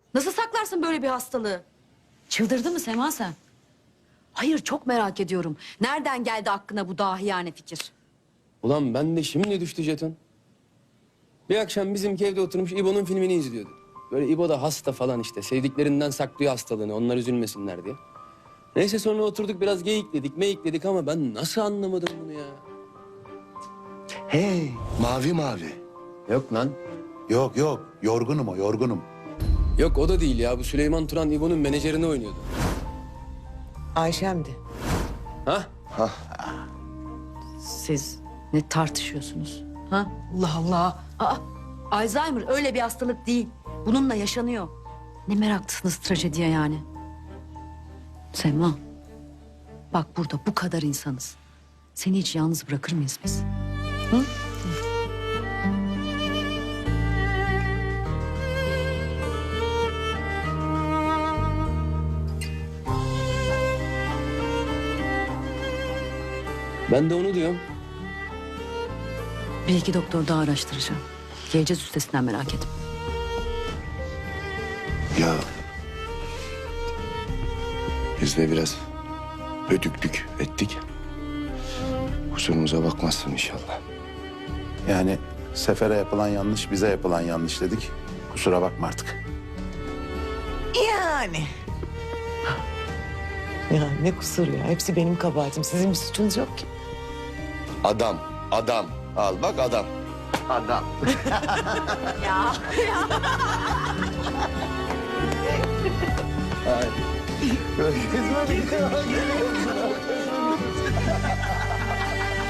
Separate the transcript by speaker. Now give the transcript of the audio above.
Speaker 1: Nasıl saklarsın böyle bir hastalığı?
Speaker 2: Çıldırdı mı Sema sen?
Speaker 1: Hayır, çok merak ediyorum. Nereden geldi aklına bu dahiyane fikir?
Speaker 3: Ulan ben de şimdi düştü jeton. Bir akşam bizimki evde oturmuş İbo'nun filmini izliyordu. Böyle İbo da hasta falan işte. Sevdiklerinden saklıyor hastalığını, onlar üzülmesinler diye. Neyse sonra oturduk biraz geyikledik, meyikledik ama ben nasıl anlamadım bunu ya?
Speaker 4: Hey, mavi mavi.
Speaker 3: Yok lan.
Speaker 4: Yok yok, yorgunum o, yorgunum.
Speaker 3: Yok o da değil ya. Bu Süleyman Turan İbo'nun menajerini oynuyordu.
Speaker 5: Ayşem'di.
Speaker 3: Ha?
Speaker 1: Siz ne tartışıyorsunuz? Ha? Allah Allah. Aa, Alzheimer öyle bir hastalık değil. Bununla yaşanıyor. Ne meraklısınız trajediye yani. Sema, bak burada bu kadar insanız. Seni hiç yalnız bırakır mıyız biz? Hı?
Speaker 3: Ben de onu diyorum.
Speaker 1: Bir iki doktor daha araştıracağım. Geleceğiz üstesinden, merak etme.
Speaker 4: Ya... Biz de biraz ödüklük ettik. Kusurumuza bakmazsın inşallah.
Speaker 6: Yani Sefer'e yapılan yanlış, bize yapılan yanlış dedik. Kusura bakma artık.
Speaker 5: Yani. Ya ne kusur ya. Hepsi benim kabahatim. Sizin bir suçunuz yok ki.
Speaker 4: Adam, adam. Al bak adam. Adam.
Speaker 6: Kızma bir